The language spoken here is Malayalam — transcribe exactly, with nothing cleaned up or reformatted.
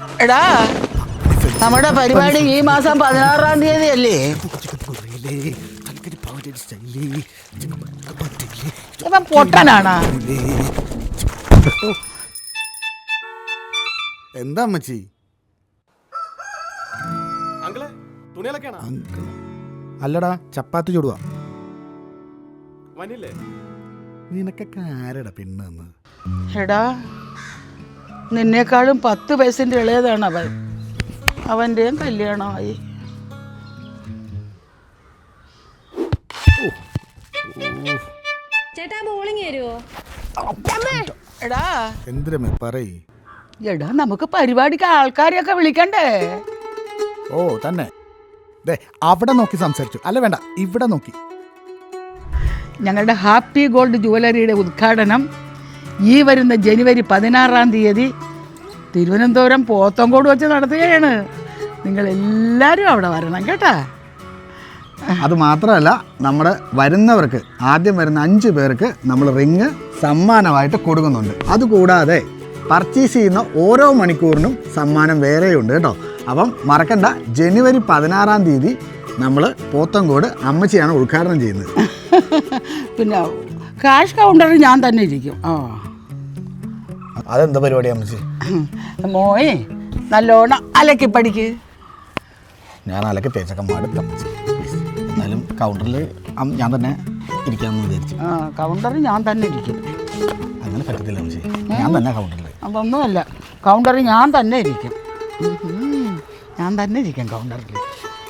എടാ നമ്മുടെ പരിപാടി ഈ മാസം പതിനാറാം തീയതി അല്ലേ? ഇവൻ പൊട്ടനാണോ? എന്താ അമ്മച്ചി? അല്ലടാ ചപ്പാത്തി ചുടുവാ. നിനക്കൊക്കെ ആരടാ പിന്നെന്ന്? എടാ നിന്നേക്കാളും പത്ത് വയസ്സിൻ്റെ ഇളയതാണ് അവൻ. അവൻ്റെയും കല്യാണമായി. ചേട്ടാ ബോളിങ് വരുമോ? എടാ എന്തിനമ്മേ പറയ്. എടാ നമുക്ക് പരിപാടിക്ക് ആൾക്കാരെയൊക്കെ വിളിക്കണ്ടേ? ഓ തന്നെ. ദേ അവിടെ നോക്കി സംസാരിച്ചു. അല്ല വേണ്ട, ഇവിടെ നോക്കി. ഞങ്ങളുടെ ഹാപ്പി ഗോൾഡ് ജുവലറിയുടെ ഉദ്ഘാടനം ഈ വരുന്ന ജനുവരി പതിനാറാം തീയതി തിരുവനന്തപുരം പോത്തങ്കോട് വെച്ച് നടത്തുകയാണ്. നിങ്ങളെല്ലാവരും അവിടെ വരണം കേട്ടാ. അത് മാത്രമല്ല, നമ്മുടെ വരുന്നവർക്ക് ആദ്യം വരുന്ന അഞ്ച് പേർക്ക് നമ്മൾ റിങ് സമ്മാനമായിട്ട് കൊടുക്കുന്നുണ്ട്. അതുകൂടാതെ പർച്ചേസ് ചെയ്യുന്ന ഓരോ മണിക്കൂറിനും സമ്മാനം വേറെയുണ്ട് കേട്ടോ. അപ്പം മറക്കണ്ട, ജനുവരി പതിനാറാം തീയതി നമ്മൾ പോത്തങ്കോട് അമ്മച്ചിയാണ് ഉദ്ഘാടനം ചെയ്യുന്നത്. പിന്നെ ക്യാഷ് കൗണ്ടറിൽ ഞാൻ തന്നെ ഇരിക്കും. ആ അതെന്താ പരിപാടി അമ്മച്ചി? മോയെ നല്ലോണം അലക്കി പഠിക്ക്. ഞാൻ അലക്കി തേച്ചൊക്കെ മടുത്ത അമ്മച്ചി. എന്നാലും കൗണ്ടറിൽ ഞാൻ തന്നെ ഇരിക്കാമെന്ന് വിചാരിച്ചു. ആ കൗണ്ടറിൽ ഞാൻ തന്നെ ഇരിക്കും. അങ്ങനെ പറ്റത്തില്ല അമ്മച്ചി, ഞാൻ തന്നെ കൗണ്ടറിൽ. അതൊന്നുമല്ല, കൗണ്ടറിൽ ഞാൻ തന്നെ ഇരിക്കും. ഞാൻ തന്നെ ഇരിക്കും കൗണ്ടറിൽ.